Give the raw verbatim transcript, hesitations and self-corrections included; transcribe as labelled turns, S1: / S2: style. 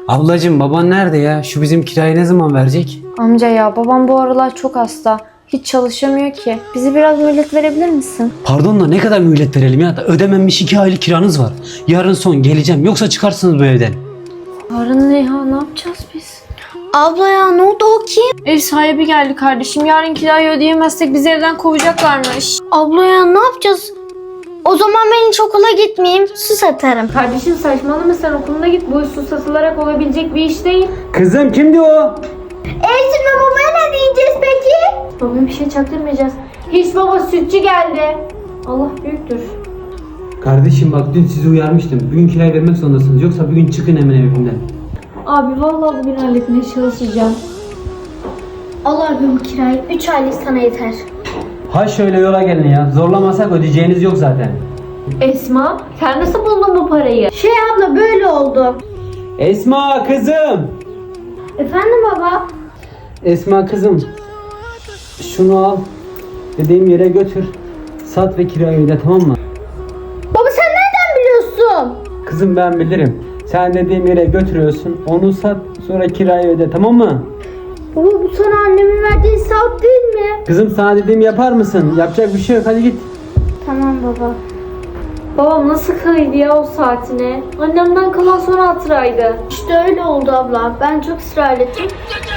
S1: Ablacığım baban nerede ya? Şu bizim kirayı ne zaman verecek?
S2: Amca ya babam bu aralar çok hasta. Hiç çalışamıyor ki. Bizi biraz mühlet verebilir misin?
S1: Pardon da ne kadar mühlet verelim ya? Ödememiş iki aylık kiranız var. Yarın son geleceğim yoksa çıkarsınız bu evden.
S2: Yarın ne ya? Ne yapacağız biz?
S3: Abla ya ne oldu o kim?
S2: Ev sahibi geldi kardeşim. Yarın kirayı ödeyemezsek bizi evden kovacaklarmış.
S3: Abla ya ne yapacağız? O zaman ben hiç okula gitmeyeyim, su satarım.
S2: Kardeşim saçmalama, sen okuluna git. Bu iş su satılarak olabilecek bir iş değil.
S1: Kızım kimdi o?
S3: Elçin ve babaya ne diyeceğiz peki?
S2: Babaya bir şey çaktırmayacağız. Hiç baba sütçü geldi. Allah büyüktür.
S1: Kardeşim bak dün sizi uyarmıştım. Bugün kirayı vermek zorundasınız. Yoksa bugün çıkın hemen evimden.
S2: Abi vallahi bugün halletmeye çalışacağım.
S3: Al abi bu kirayı. Üç aylık sana yeter.
S1: Ha şöyle yola gelin ya. Zorlamasak ödeyeceğiniz yok zaten.
S2: Esma, sen nasıl buldun bu parayı?
S3: Şey abla böyle oldu.
S1: Esma kızım.
S3: Efendim baba?
S1: Esma kızım. Şunu al. Dediğim yere götür. Sat ve kirayı öde, tamam mı?
S3: Baba sen nereden biliyorsun?
S1: Kızım ben bilirim. Sen dediğim yere götürüyorsun. Onu sat, sonra kirayı öde, tamam mı?
S3: Baba bu sana annemin verdiği saat değil mi?
S1: Kızım sana dediğimi yapar mısın? Yapacak bir şey yok, hadi git.
S3: Tamam baba.
S2: Babam nasıl kıydı ya o saatine? Annemden kalan son hatıraydı.
S3: İşte öyle oldu abla. Ben çok ısrar ettim.